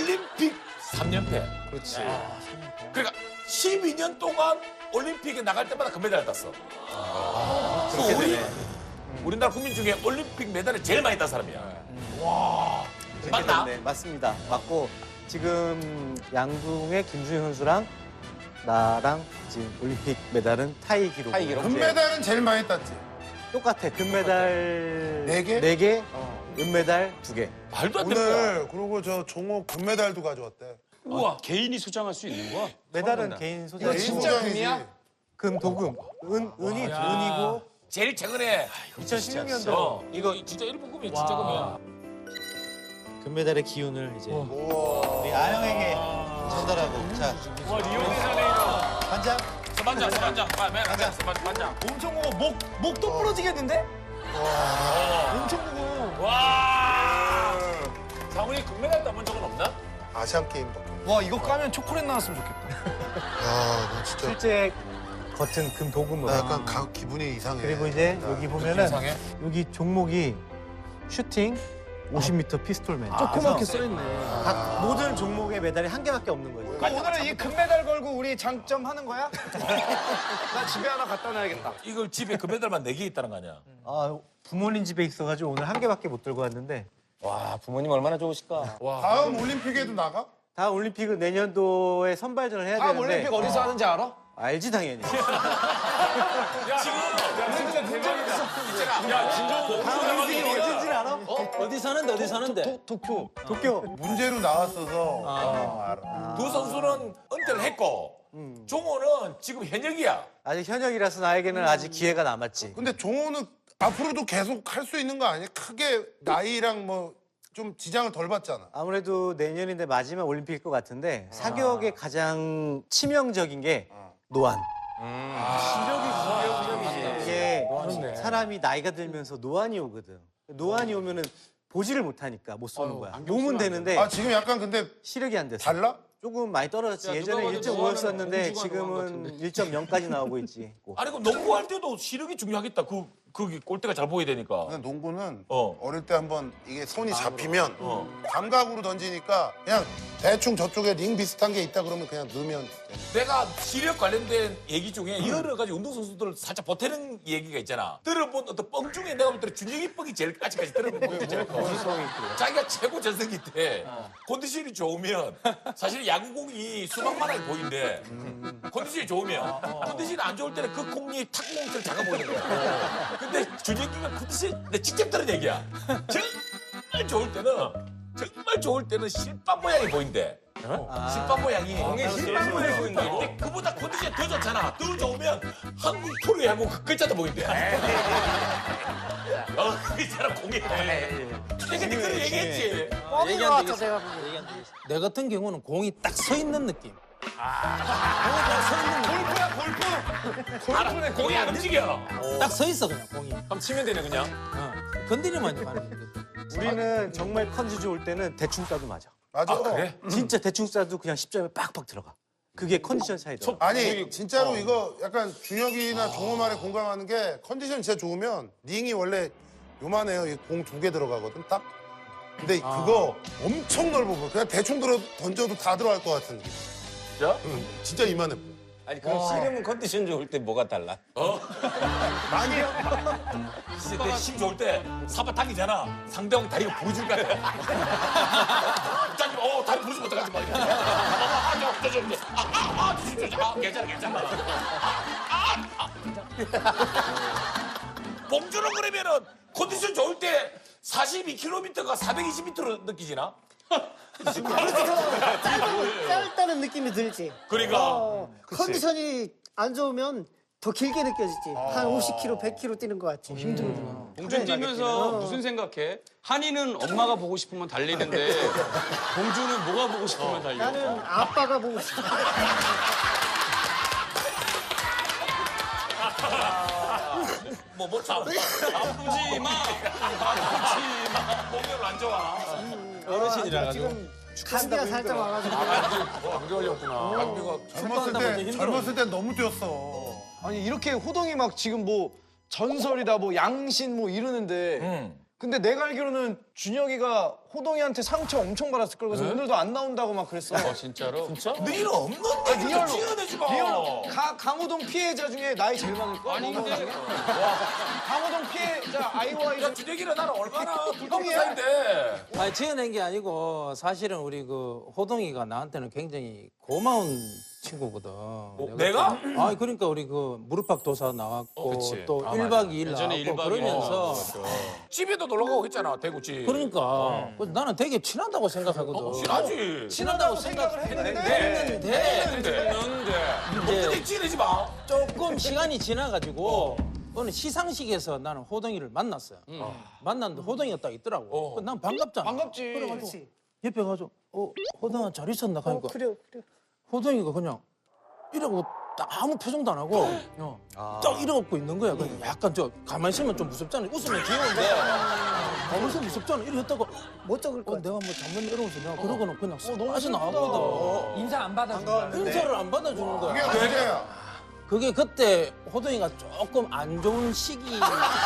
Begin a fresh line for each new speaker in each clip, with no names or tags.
올림픽 3연패.
그렇지.
그러니까 12년 동안 올림픽에 나갈 때마다 금메달을 땄어. 우리나라 국민 중에 올림픽 메달을 제일 많이 딴 사람이야. 맞나?
네, 맞습니다. 맞고 지금 양궁의 김수현 선수랑 나랑 지금 올림픽 메달은 타이 기록.
타이 기록.
금메달은 제일 많이 땄지.
똑같아. 금메달
네 개?
4개, 은메달 2개.
말도 안 되는 거야.
오늘 그리고 저 종호 금메달도 가져왔대.
우와, 개인이 수장할 수 있는 거야?
메달은 개인 소장.
이거 진짜 금이야?
금, 도금. 은이 은이고
제일 최근에
2016년도
이거 진짜 일본 금이야. 진짜 금이야.
금메달의 기운을 이제 우리 아영에게 전달하고. 자,
와, 리오데자네이루.
반장.
서반장. 서반장.
엄청 무거워. 목도 부러지겠는데?
엄청 무거워.
와. 장훈이 금메달 따본 적은 없나?
아시안 게임밖에.
와, 이거 까면 초콜릿 나왔으면 좋겠다.
야, 나 진짜
실제 겉은 금 도금으로.
나 약간 기분이 이상해.
그리고 이제 여기 보면은
이상해?
여기 종목이 슈팅, 50m 피스톨맨.
조그맣게 써있네.
각 모든 종목의 메달이 한 개밖에 없는 거예요.
오늘은 이 금메달 걸고 우리 장점 하는 거야? 나 집에 하나 갖다 놔야겠다.
이걸 집에 금메달만 4개 있다는 거 아니야?
아, 부모님 집에 있어가지고 오늘 한 개밖에 못 들고 왔는데
와, 부모님 얼마나 좋으실까?
다음 올림픽에도 나가?
다음 올림픽은 내년도에 선발전을 해야
다음
되는데
올림픽 어디서 하는지 알아?
알지 당연히. 다음 올림픽이 어딘지 알아?
어디서 하는데? 도쿄.
도쿄.
문제로 나왔어서. 알아.
두 선수는 은퇴를 했고 종호는 지금 현역이야.
아직 현역이라서 나에게는 아직 기회가 남았지.
근데 종호는 앞으로도 계속 할 수 있는 거 아니야? 크게 나이랑 뭐 좀 지장을 덜 받잖아.
아무래도 내년인데 마지막 올림픽일 것 같은데 사격의 가장 치명적인 게 노안. 이게 사람이 나이가 들면서 노안이 오거든. 노안이 오면은 보지를 못하니까 못 쏘는 거야. 몸은 되는데
아, 지금 약간 근데
시력이 안 됐어.
달라?
조금 많이 떨어졌지. 예전에 1.5였었는데 지금은 1.0까지 나오고 있지.
아니 그럼 농구할 때도 시력이 중요하겠다. 그 골대가 잘 보여야 되니까.
근데 농구는
어.
어릴 때 한번 이게 손이 잡히면 감각으로 던지니까 그냥 대충 저쪽에 링 비슷한 게 있다 그러면 그냥 넣으면
내가 시력 관련된 얘기 중에 여러 가지 운동선수들을 살짝 보태는 얘기가 있잖아. 들어본 어떤 뻥 중에 내가 볼 때는 준영이 뻥이 제일 아직까지 들어본 뻥이 있잖아. 자기가 최고 전성기 때 컨디션이 좋으면 사실 야구공이 수박만하게 보이는데 컨디션이 좋으면 컨디션이 안 좋을 때는 그 공이 탁구공처럼 작아 보이는 거야. 근데 준영이가 컨디션이 내 직접 들은 얘기야. 정말 좋을 때는 실밥 모양이 보인대. 실밥 모양이. 공에 실밥 모양이 보인다. 근데 그보다 컨디션이 더 좋잖아. 더 좋으면 한국 프로야구 하고 그 글자도 보인대. 그 사람 공에. 내가 그런 얘기했지.
뻥인 것 같아 내가 보기엔. 내 같은 경우는 공이 딱 서 있는 느낌.
알아, 공이 안 움직여.
딱 서 있어 그냥 공이.
그럼 치면 되네, 그냥.
건드리면 이제 가는 거지.
우리는 정말 컨디 좋을 때는 대충 쏴도 맞아.
맞아.
그래?
진짜 대충 쏴도 그냥 10점에 빡빡 들어가. 그게 컨디션 차이더라.
아니 진짜로 이거 약간 준혁이나 종호 말에 공감하는 게 컨디션 진짜 좋으면 링이 원래 요만해요. 공 2개 들어가거든 딱. 근데 그거 엄청 넓어 보여. 그냥 대충 던져도 다 들어갈 것 같은 느낌.
진짜?
응, 진짜 이만해 보여.
아니, 그럼 씨름은 컨디션 좋을 때 뭐가 달라?
근데 힘 좋을 때 사바 당기잖아. 상대방 다리가 부러질 것 같아. 갑자기 다리 부러지면 어떡하지 마. 괜찮아. 봉준은 그러면은 컨디션 좋을 때 42km가 420m로 느끼지나?
짧다는 느낌이 들지.
그러니까
컨디션이 안 좋으면 더 길게 느껴지지. 한 50km, 100km 뛰는 것 같지.
봉준 뛰면서 무슨 생각해? 한이는 엄마가 보고 싶으면 달리는데 봉준은 뭐가 보고 싶으면 달려?
나는 아빠가 보고 싶어.
뭐 참.
아프지 마.
몸이 안 좋아.
어르신이라 가지고.
감기가 살짝 와가지고.
젊었을 때 너무 뛰었어.
아니 이렇게 호동이 막 지금 뭐 전설이다 뭐 양신 뭐 이러는데 근데 내가 알기로는
준혁이가 호동이한테 상처 엄청 받았을 걸. 그래서 오늘도 안 나온다고 막 그랬어.
진짜로?
너희는 없는데
리얼로.
지어내지 마.
강호동 피해자 중에 나이 제일 많을 거야.
아니 근데
강호동 피해자 아이와
야, 준혁이랑 나는 얼마나 불평
형이야.
사이인데.
아니 지어낸 게 아니고 사실은 우리 그 호동이가 나한테는 굉장히 고마운 친구거든.
내가?
아 그러니까 우리 그 무릎팍 도사 나왔고
그치.
또
아,
1박 2일
예전에
나왔고
1박 2일
그러면서
집에도 놀러 가고 했잖아, 대구 집.
그러니까 그래서 나는 되게 친하다고 생각하거든.
친하지.
친하다고
생각을 했는데
했는데
근데
이제
지내지 마.
조금 시간이 지나가지고 어느 시상식에서 나는 호동이를 만났어요. 만났는데 호동이가 딱 있더라고. 난 반갑잖아.
반갑지.
그렇지.
옆에 가서 호동아 잘 있었나 하니까
그래.
호동이가 그냥 이러고 딱 아무 표정도 안 하고 딱 이러고 있는 거야. 그냥 약간 저 가만히 있으면 좀 무섭잖아. 웃으면 귀여운데 가만히 있으면 무섭잖아. 이렇게 했다가
못 적을 거
내가 뭐 잘못 이러면서 내가 그러고는 그냥 빠져 나가거든.
인사 안 받아준다.
인사를 안 받아주는
그게
거야.
문제야.
그게 그때 호동이가 조금 안 좋은 시기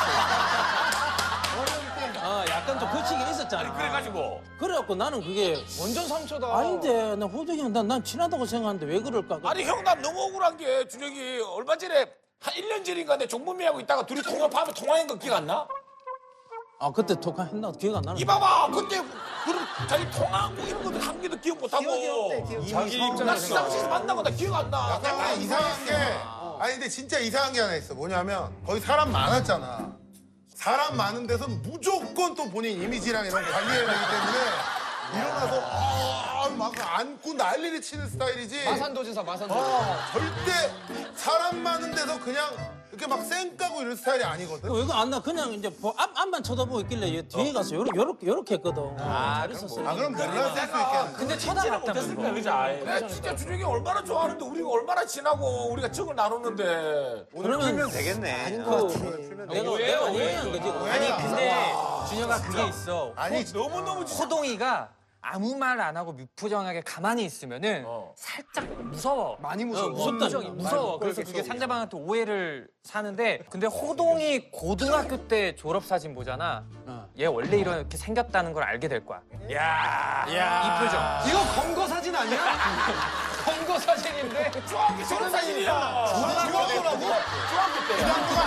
약간 좀 그 시기가 있었잖아.
그래가지고.
그래갖고 나는 그게
완전 상처다.
아닌데 나 호동이 형 난 친하다고 생각하는데 왜 그럴까?
아니 형 난 너무 억울한 게 준혁이 얼마 전에 한 1년 전인가 내 종범이하고 있다가 둘이 통화하면 통화한 거 기억 안 나?
아 그때 통화했나 기억 안 나는데.
이봐봐 그때 그런 자기 통화하고 이런 것들 한 개도 기억 못하고
기억이 없대, 기억이.
자기
나
입장에서
시상식에서 만나고 나 기억 안 나.
약간 이상한 게 아니 근데 진짜 이상한 게 하나 있어. 뭐냐면 거기 사람 많았잖아. 사람 많은 데서 무조건 또 본인 이미지랑 이런 거 관리해야 되기 때문에 일어나서 막 안고 난리를 치는 스타일이지.
마산도지사 마산도지사.
절대 사람 많은 데서 그냥 이렇게 막 쌩까고 이런 스타일이 아니거든.
왜 이거 안 나? 그냥 이제 앞만 쳐다보고 있길래 얘 뒤에 가서 요렇게 했거든. 잘 있었어.
아 그럼 몰랐을 수 있겠네.
근데 쳐다봤다면서.
내가 진짜 준혁이 얼마나 좋아하는데 우리가 얼마나 친하고 우리가 정을 나누는데.
그러면
되겠네.
아닌 것 같아.
내가 오해한 거지.
아니 근데 준혁아 그게 있어.
아니
너무너무 진짜.
호동이가 아무 말 안 하고 무표정하게 가만히 있으면은 살짝 무서워.
많이 무서워.
무섭다.
표정이 무서워. 그래서 그게 상대방한테 오해를 사는데 근데 호동이 고등학교 때 졸업 사진 보잖아. 얘 원래 이렇게 생겼다는 걸 알게 될 거야. 이 표정.
이거 검거 사진 아니야? 검거 사진인데.
중학교 졸업 사진이야.
중학교라고?
중학교 때.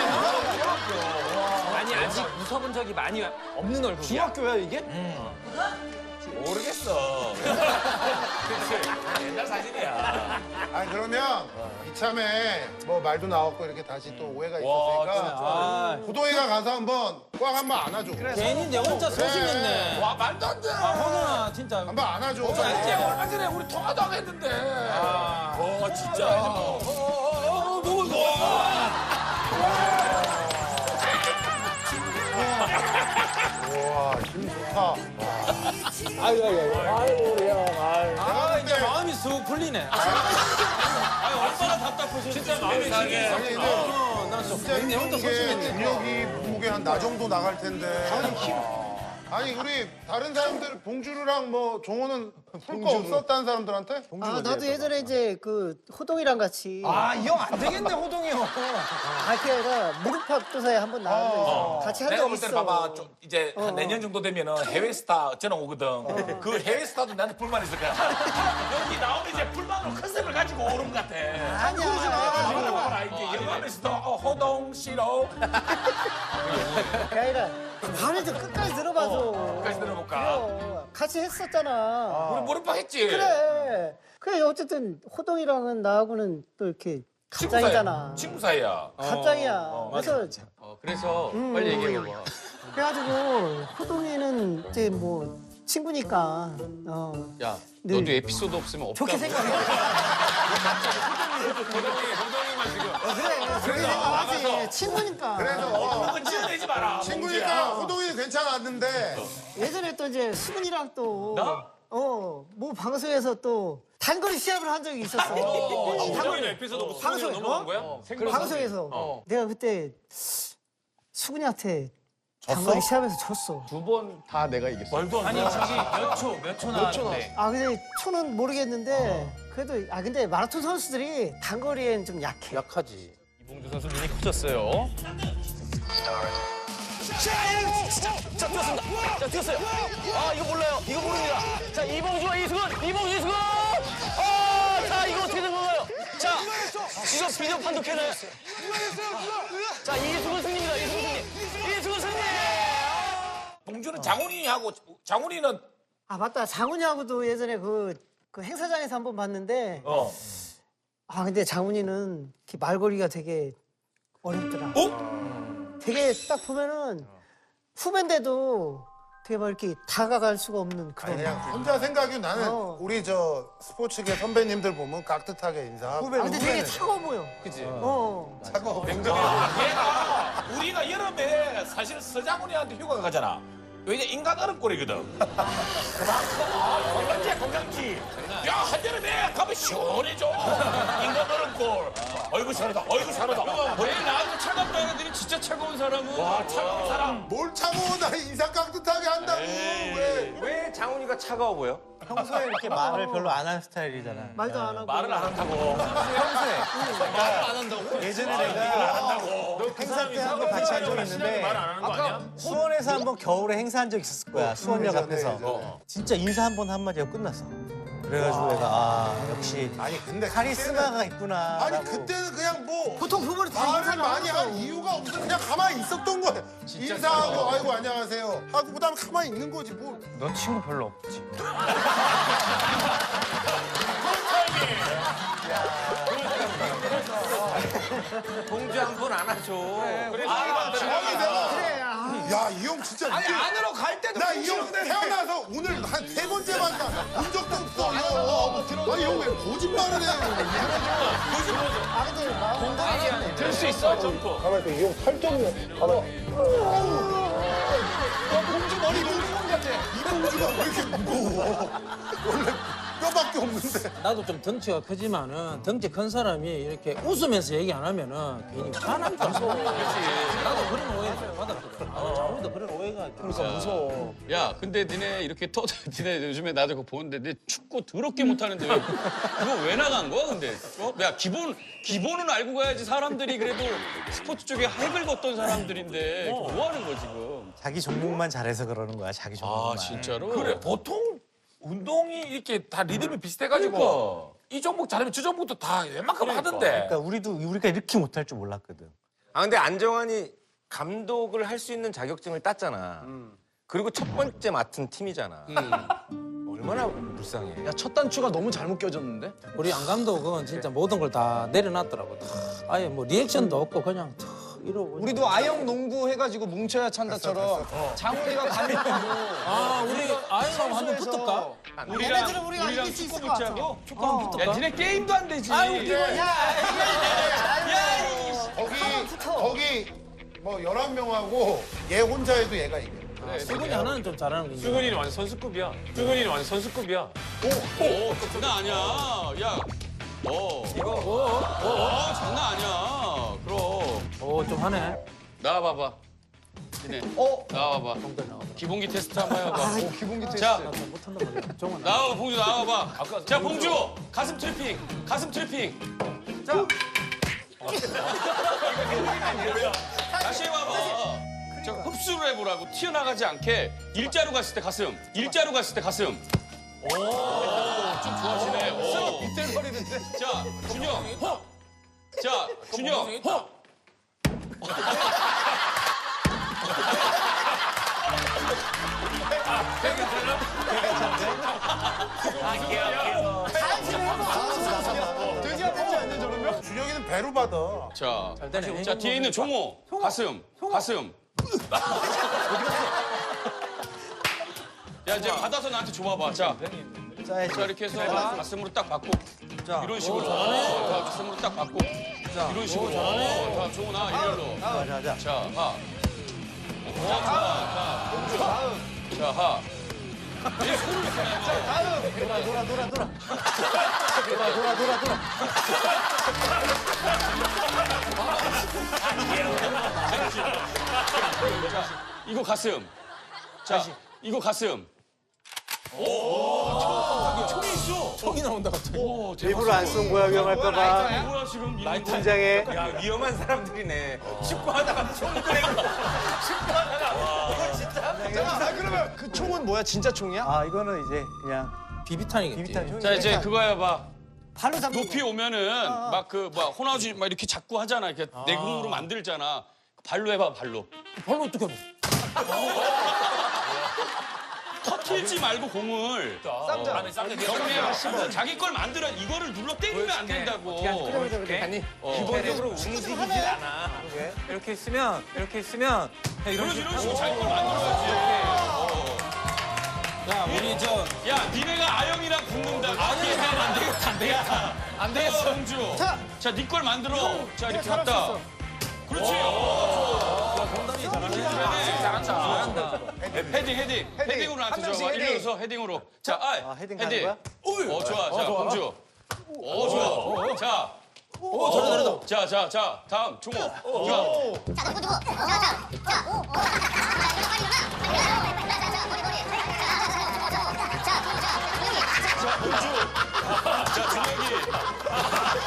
아니 아직 웃어본 적이 많이 없는 얼굴이야.
중학교야 이게?
모르겠어. 그치. 옛날 사진이야.
아니 그러면 이참에 뭐 말도 나왔고 이렇게 다시 또 오해가
와,
있었으니까 호동이가 가서 한번 꽉 한번 안아줘.
괜히 내 혼자 소심했네.
와 말도 안 돼.
호동아 진짜.
한번 안아줘.
이제 얼마 전에 우리 통화도 하고 했는데. 진짜. 너무
와, 힘 좋다.
아 이제 마음이 쑥 풀리네. 얼마나 답답해서 진짜 마음이 상해.
아니 근데
나
진짜
내 혼자
힘든 게
소심했네.
준혁이 몸무게 한 나 정도 나갈 텐데. 아니 우리 다른 사람들 봉주르랑 뭐 종호는 풀 거 없었다는 사람들한테?
아 나도 예전에 이제 그 호동이랑 같이
아 이 형 안 되겠네 호동이 형.
그게 아니라 무릎팍 도사에 한번 나왔는데 같이 한
내가
적
볼 때는
있어.
봐봐 좀 이제 한 내년 정도 되면은 해외 스타 전화 오거든. 그 해외 스타도 나한테 불만 있을 거야. 여기 나오면 이제 불만으로 컨셉을 가지고 오는 것 같아.
아니야.
이제 영화에서도 호동 싫어.
그게 아니라 말을 좀 끝까지 들어봐서.
끝까지 들어볼까?
그래요. 같이 했었잖아.
우리 무릎팍 했지.
그래 어쨌든 호동이랑은 나하고는 또 이렇게 갑자기잖아.
친구 사이야.
갑자기야. 그래서
그래서 빨리 얘기해봐.
그래가지고 호동이는 이제 뭐 친구니까
야,
네.
너도 에피소드 없으면 없다고.
좋게 생각해.
호동이만 지금.
그래 좋게 생각하지. 친구니까.
그래서
그건 지어내지 마라.
친구니까 호동이는 괜찮았는데
예전에 또 이제 수근이랑 또
나?
뭐 방송에서 또 단거리 시합을 한 적이 있었어.
호동이는 에피소드 없어.
방송
넘어간 거야?
방송에서 내가 그때 수근이한테 단거리 시합에서 졌어.
두 번 다 내가 이겼어.
말도 안 돼.
아니 저기 몇 초 나왔는데.
아 근데 초는 모르겠는데 그래도 근데 마라톤 선수들이 단거리엔 좀 약해.
약하지.
이봉주 선수 눈이 커졌어요.
자, 뛰었습니다. 자, 뛰었어요. 아, 이거 몰라요. 이거 모릅니다. 자, 이봉주와 이수근. 자, 이거 어떻게 된 건가요? 자, 이거 비디오 판독해놔요. 자, 이수근 승리입니다. 이수근 승리.
봉주는 장훈이하고 장훈이는
아 맞다. 장훈이하고도 예전에 그 행사장에서 한번 봤는데 아 근데 장훈이는 이렇게 말거리가 되게 어렵더라. 되게 딱 보면은 후배인데도 되게 막 이렇게 다가갈 수가 없는 그런.
그냥 혼자 생각이 나는
어.
우리 저 스포츠계 선배님들 보면 깍듯하게 인사하고.
아, 근데 되게 차가워 보여. 그치.
차가워.
얘가 우리가 여름에 사실 서장훈이한테 휴가 가잖아. 왜냐 인간 얼음골이거든. 그만큼 건강지. 야 한여름에 가면 시원해져. 인간 얼음골. 어이구 잘하다.
왜 나한테 차갑다는 애들이 진짜 차가운 사람은
와 차가운 사람.
뭘 차가워 나 인사 깍듯하게 한다고. 왜?
왜 장훈이가 차가워 보여?
평소에 이렇게 말을 별로 안 하는 스타일이잖아.
말도 안 하고.
말을 안 한다고.
예전에 내가 행사 때 한 번 같이 한 적이 있는데 수원에서 한 번 겨울에 행사한 적 있었을 거야. 수원역 앞에서. 진짜 인사 한 번 한마디 하고 끝났어. 그래가지고 내가 아 역시
아니 근데
카리스마가 있구나.
아니
라고.
그때는 그냥 뭐
보통 그분이 다
말을
인사를
많이
안
할
하고.
이유가 없어. 그냥 가만히 있었던 거야. 인사하고 아이고 안녕하세요 하고 그다음에 가만히 있는 거지 뭐.
너 친구 별로 없지.
봉주 한 번 안아줘.
그래. 아.
야 이 형 진짜 아니
안으로 갈 때도
나 이 형 태어나서 오늘 한 3번째 만나 본 적도 없어. 아니 형 왜 거짓말을 해?
아 근데 마음
들 수 있어 점프.
가만히 있어. 이 형 팔뚝이 봐봐.
봉주 머리 봉주공 같아.
이 봉주가 왜 이렇게 무거워? 원래 뼈밖에 없는데.
나도 좀 덩치가 크지만은 덩치 큰 사람이 이렇게 웃으면서 얘기 안 하면은 괜히 화난 줄 알아. 나도 그런 오해를 좀 받았거든. 장훈이도 그런 오해가 그러니까 무서워.
야, 근데 니네 이렇게 니네 요즘에 나도 그거 보는데 니 축구 더럽게 못하는데 왜 그거 왜 나간 거야, 근데? 야, 기본은 알고 가야지 사람들이 그래도 스포츠 쪽에 핵을 걷던 사람들인데 뭐 하는 거야, 지금?
자기 종목만 잘해서 그러는 거야. 자기 종목만.
아, 진짜로?
그래 보통 운동이 이렇게 다 리듬이 비슷해가지고 이 종목 잘하면 저 종목도 다 웬만큼 하던데.
그러니까 우리가 이렇게 못할 줄 몰랐거든.
아, 근데 안정환이 감독을 할 수 있는 자격증을 땄잖아. 그리고 첫 번째 맡은 팀이잖아. 얼마나 불쌍해.
야, 첫 단추가 너무 잘못 껴졌는데?
우리 안 감독은 진짜 모든 걸 다 내려놨더라고. 다 아예 뭐 리액션도 없고 그냥 다 이러고.
우리도 아영 농구 해가지고 뭉쳐야 찬다처럼 장훈이가 감독하고
아 우리 아이랑 한번 붙을까?
얘네들은 우리가 이길 수 있을 것 같아.
축구 한번
야,
붙을까?
니네 게임도 안 되지.
거기 뭐 11명하고 얘 혼자 해도 얘가 이겨.
수근이 하나는 좀 잘하는 거 있는데.
수근이는 완전 선수급이야. 오, 장난 아니야. 야, 이거, 장난 아니야. 그럼.
좀 하네.
나와봐봐. 니네. 나와봐. 기본기 테스트 한번 해봐.
기본기 테스트.
자,
못한단 말이야. 정원.
나와봐, 봉주 나와봐. 자, 봉주, 가슴 트래핑. 자. 다시 해봐봐. 자, 흡수를 해보라고. 튀어나가지 않게. 일자로 갔을 때 가슴. 오, 좀 좋아지네. 오.
빗대거리는데?
자, 준영. 자, 준영.
돼지 아프지 않냐, 저러면?
준영이는 배로 받아.
자,
되네.
자 뒤에 있는 종호. 가슴. 야, 이제 받아서 나한테 줘봐봐. 자, 자 이렇게 해서 가슴으로 딱 받고. 이런 식으로. 자, 가슴으로 딱 받고. 이런 식으로. 자, 종호 나 일렬로.
자.
자, 하. 자, 하. 내 손을 이거 가슴. 자, 이거 가슴. 오, 총이 있어.
총이 나온다 갑자기.
일부러 안 쏜 거야 위험할까봐.
뭐야 지금 이거
긴장해.
야 위험한 사람들이네. 축구하다가 총 꺼내고.
자, 그러면 그 총은 뭐야? 진짜 총이야?
아 이거는 이제 그냥
비비탄이겠지.
비비탄 총.
자 이제 그거 해봐.
발로 잡는
높이 오면은 막 그 막 호나우지 막 이렇게 자꾸 하잖아. 이렇게 내공으로 만들잖아. 발로 해봐 발로.
발로 어떻게 해?
터트리지 말고 공을
쌈장.
안에 쌈장
정리해. 자기 걸 만들어 이거를 눌러 때리면 안 된다고.
아니 기본적으로 움직이질 않아. 이렇게 있으면 이런
그래서 이런 식으로 자기 걸 만들어야지.
야 우리 저
야, 니네가 아영이랑 붙는다. 아영이랑 안 되겠다, 안 되겠다. 안 되겠어, 홍주. 자, 니 걸 만들어. 자, 이렇게 갔다. 그렇지.
잘한다.
헤딩으로 나한테
한 명씩
줘봐.
헤딩.
일려서 헤딩으로. 자,
헤딩 가는 거야?
좋아. 자, 홍주. 좋아. 자. 자, 다음, 종호. 자,
자, 누구? 자,
자, 준혁이.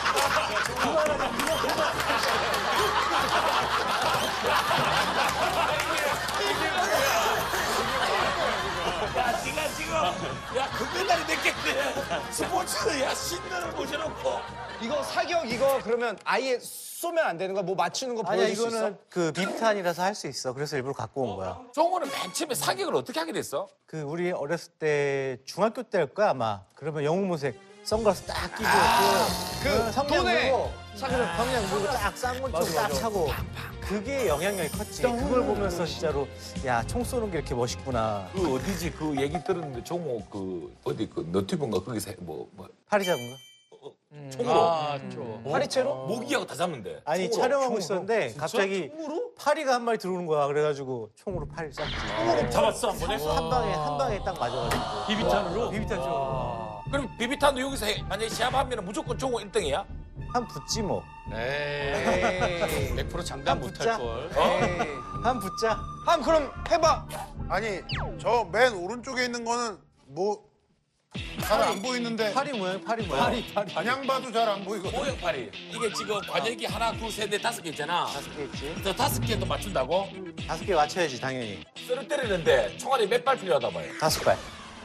야, 네가 지금 야, 금메달이 냈겠네. 스포츠 야, 신나를 모셔놓고.
이거 사격 이거 그러면 아예 쏘면 안 되는 거야? 뭐 맞추는 거
아니야
보여줄 수 있어?
이거는 그 비비탄이라서 할 수 있어. 그래서 일부러 갖고 온 거야.
종호는 맨 처음에 사격을 어떻게 하게 됐어?
그 우리 어렸을 때 중학교 때일 거야 아마. 그러면 영웅무색 선글라스 딱 끼고
그
성냥
돈에
물고 성냥 물고 딱 쌍문총 딱 차고 그게 영향력이 컸지. 그걸 보면서 진짜로 야 총 쏘는 게 이렇게 멋있구나.
그 어디지 그 얘기 들었는데 종호 그 어디 그 너튜브인가 거기서 뭐
파리 잡은 거?
총으로
파리채로?
모기하고 다 잡는데.
아니
총으로.
촬영하고 있었는데 갑자기 파리가 한 마리 들어오는 거야. 그래가지고 총으로 파리를 쐈지.
잡았어 한 번에?
한 방에 딱 맞아가지고.
비비탄으로?
비비탄 총.
그럼 비비탄도 여기서 만약에 시합하면 무조건 종호 1등이야?
한 붙지 뭐.
에이, 100% 장담 못할 걸.
한 붙자.
한 그럼 해봐.
아니 저 맨 오른쪽에 있는 거는 뭐 잘 안 보이는데
파리 모양, 파리 모양.
그냥 봐도 잘 안 보이거든.
모형팔이. 이게 지금 관역이 하나, 둘, 셋, 넷, 다섯 개 있잖아.
5개 있지.
저 5개도 맞춘다고?
5개 맞춰야지 당연히.
쇠를 때리는데 총알이 몇 발 필요하다 봐요.
5발.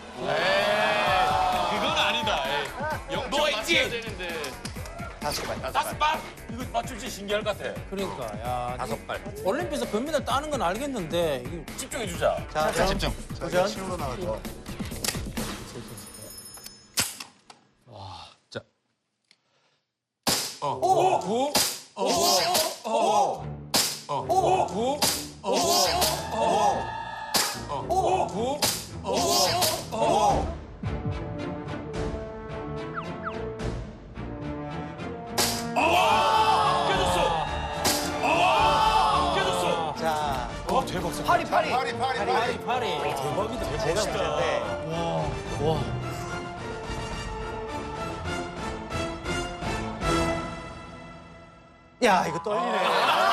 그건 아니다. 영점
너 있지?
맞춰야 되는데.
5발.
5발? 이거 맞출지 신기할 것 같아.
그러니까 야
5발.
올림픽에서 금메달 따는 건 알겠는데 이게
집중해 주자.
자, 집중. 도전.
실로 나가죠.
자,
파리.
파리.
파리 대박이다.
제가 문제인데. 야, 이거 떨리네.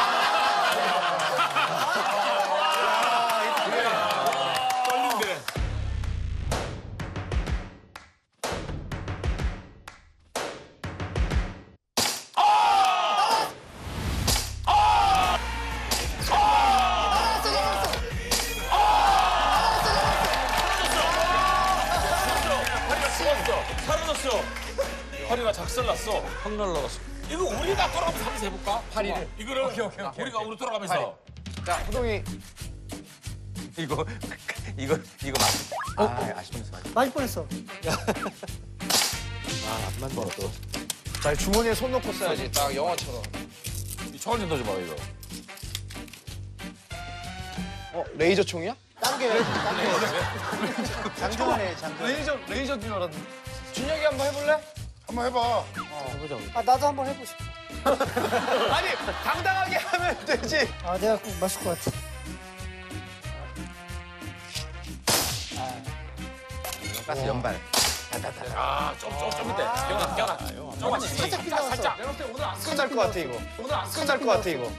사라졌어. 파리가 작살났어. 확 날라갔어. 이거 우리가 돌아가면서 한번 해볼까? 파리를. 이거를 우리가 우리 돌아가면서.
자, 호동이.
이거 맞. 아쉽면서 맞.
맞을 뻔했어.
자, 주머니에 손 넣고 써야지. 딱 영화처럼.
이 총알 좀 넣어줘봐 이거.
레이저 총이야?
당겨. 장전해, 장전.
레이저인 줄 알았는데. 준혁이 한번 해볼래?
한번 해봐.
아 나도 한번 해보고 싶어.
아니, 당당하게 하면 되지.
아 내가 꼭 맞을 것 같아.
가스 연발.
아, 좀 밑에. 경아. 조금만.
살짝 빗나갔어.
살짝.
끝날 것 같아, 이거. 끝날 것 같아, 이거.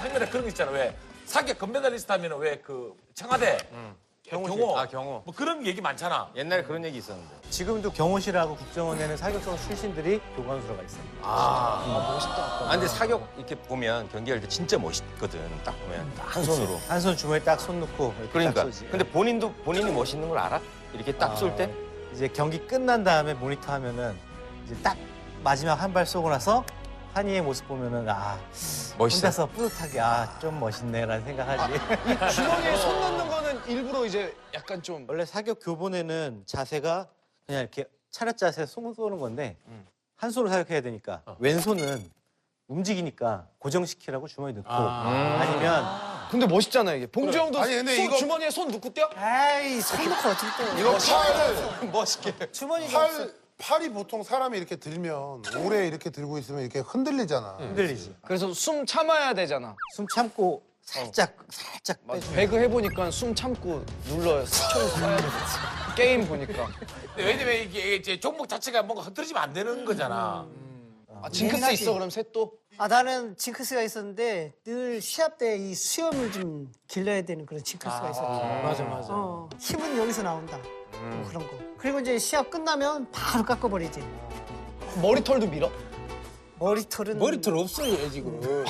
상면에 그런 거 있잖아. 왜 사격 금메달리스트 하면 왜 그 청와대 경호
경호.
뭐 그런 얘기 많잖아.
옛날에 그런 얘기 있었는데.
지금도 경호실하고 국정원에는 사격성 출신들이 교관수로가 있어요.
아, 근데 사격 이렇게 보면 경기할 때 진짜 멋있거든. 딱 보면 딱 한 손으로.
한 손 주머니에 딱 손 넣고 이렇게
그러니까.
딱 쏘지.
근데 본인이 멋있는 걸 알아? 이렇게 딱 쏠 때?
이제 경기 끝난 다음에 모니터 하면은 이제 딱 마지막 한 발 쏘고 나서 한이의 모습 보면은 아
멋있어.
혼자서 뿌듯하게 아 좀 멋있네라는 생각하지.
주머니에 손 넣는 거는 일부러 이제 약간 좀
원래 사격 교본에는 자세가 그냥 이렇게 차렷 자세 손 쏘는 건데 한 손으로 사격해야 되니까 왼손은 움직이니까 고정시키라고 주머니 넣고 아니면
근데 멋있잖아 이게. 봉주 형도
아니, 근데
손
이거-
주머니에 손 넣고 뛰어?
에이, 손 놓고 어떻게 또.
이거 팔,
멋있게.
주머니가 없어.
팔이 보통 사람이 이렇게 들면 오래 이렇게 들고 있으면 이렇게 흔들리잖아.
흔들리지.
그래서 숨 참아야 되잖아.
숨 참고 살짝 빼주면
배그 해보니까 숨 참고 눌러요. 스킬 써야 돼. 게임 보니까.
왜냐면 이게 이제 종목 자체가 뭔가 흐트러지면 안 되는 거잖아.
아, 징크스
예민하지.
있어 그럼 셋도?
아, 나는 징크스가 있었는데 늘 시합 때 이 수염을 좀 길러야 되는 그런 징크스가 있었지.
맞아 맞아.
힘은 여기서 나온다. 뭐 그런 거. 그리고 이제 시합 끝나면 바로 깎아버리지.
머리털도 밀어?
머리털은
머리털 없어요 지금.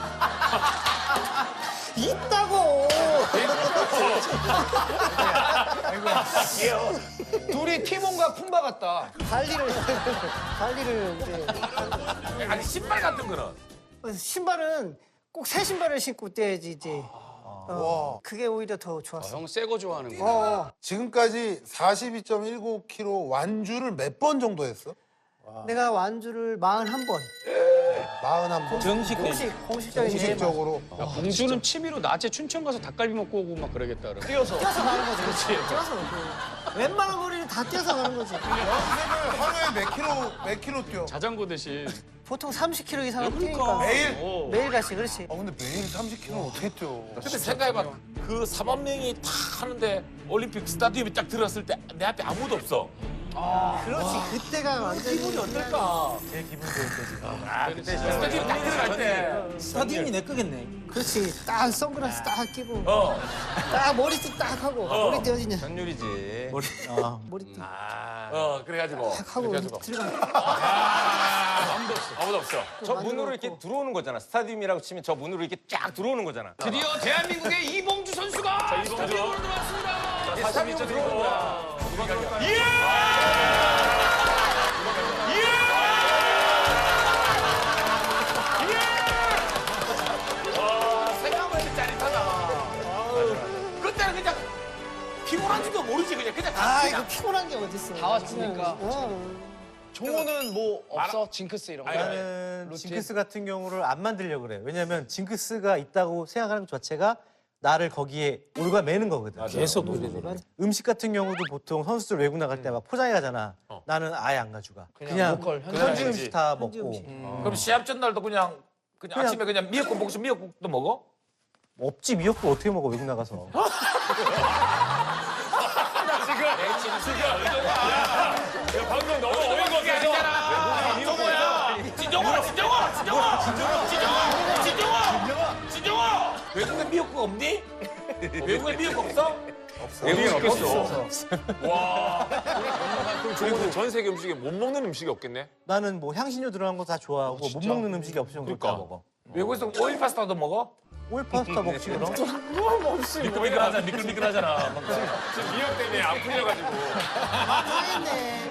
있다고.
둘이 티몬과 푼바 같다.
달리를 이제
아니 신발 같은 거는
신발은 꼭 새 신발을 신고 뛰어야지 이제. 그게 오히려 더 좋았어.
형 새 거 좋아하는 거.
지금까지 42.19kg 완주를 몇 번 정도 했어?
내가 완주를 41번.
41번.
공식적인
공식적으로.
야, 봉주는 취미로 낮에 춘천 가서 닭갈비 먹고 오고 막 그러겠다. 그러면.
뛰어서.
뛰어서 가는 거지. 뛰어서. 웬만한 거리는 다 뛰어서 가는 거지.
하루에 몇 킬로 뛰어?
자전거 대신.
보통 30km 이상은 뛰니까.
매일?
매일 같이 그렇지.
근데 매일 30kg 어떻게 뛰어?
근데 생각해봐. 그 4만 명이 다 하는데 올림픽 스타디움에 딱 들어갔을 때 내 앞에 아무도 없어.
그렇지. 그때가 완전히
기분이 어떨까?
제일 기분 좋을 때지.
스타디움에 딱 들어갈 때.
스타디움이 내 거겠네.
그렇지. 딱 선글라스 딱 끼고
어.
딱 머리띠 딱 하고 머리 떼어지냐.
전율이지.
머리띠
그래가지고.
딱 하고
그래가지고.
들어가.
아무도 없어.
저 문으로 이렇게 들어오는 거잖아. 스타디움이라고 치면 저 문으로 이렇게 쫙 들어오는 거잖아.
드디어 대한민국의 이봉주 선수가 스타디움으로 들어왔습니다.
스타디움으로 들어오는 거야.
생각만 해도 짜릿하다. 그때는 그냥 피곤한지도 모르지 그냥
아
그냥.
이거 피곤한 게 어딨어.
다 왔으니까.
어.
종호는 뭐 없어? 징크스 이런 거?
나는
루틴?
징크스 같은 경우를 안 만들려고 그래. 왜냐면 징크스가 있다고 생각하는 것 자체가 나를 거기에 올가 매는 거거든.
계속 그래.
음식 같은 경우도 보통 선수들 외국 나갈 때 막 포장해 가잖아. 나는 아예 안 가져가. 그냥
로컬,
현지 음식 다
현지
먹고.
음식.
그럼 시합 전날도 그냥 아침에 그냥 미역국 먹으면 미역국도 먹어?
없지 미역국 어떻게 먹어 외국 나가서.
방금 너무 어이가 없잖아. 진정아. 외국에 미역국 없니? 외국에 미역국 없어?
외국인 없겠어.
그리고 전 세계 음식에 못 먹는 음식이 없겠네.
나는 뭐 향신료 들어간 거 다 좋아하고 못 먹는 음식이 없으면 그러니까. 다 먹어.
외국에서 오일 파스타도 먹어?
오일 파스타 먹지 그럼?
미끌미끌하잖아.
지금 미역 때문에 안 풀려가지고.
망했네.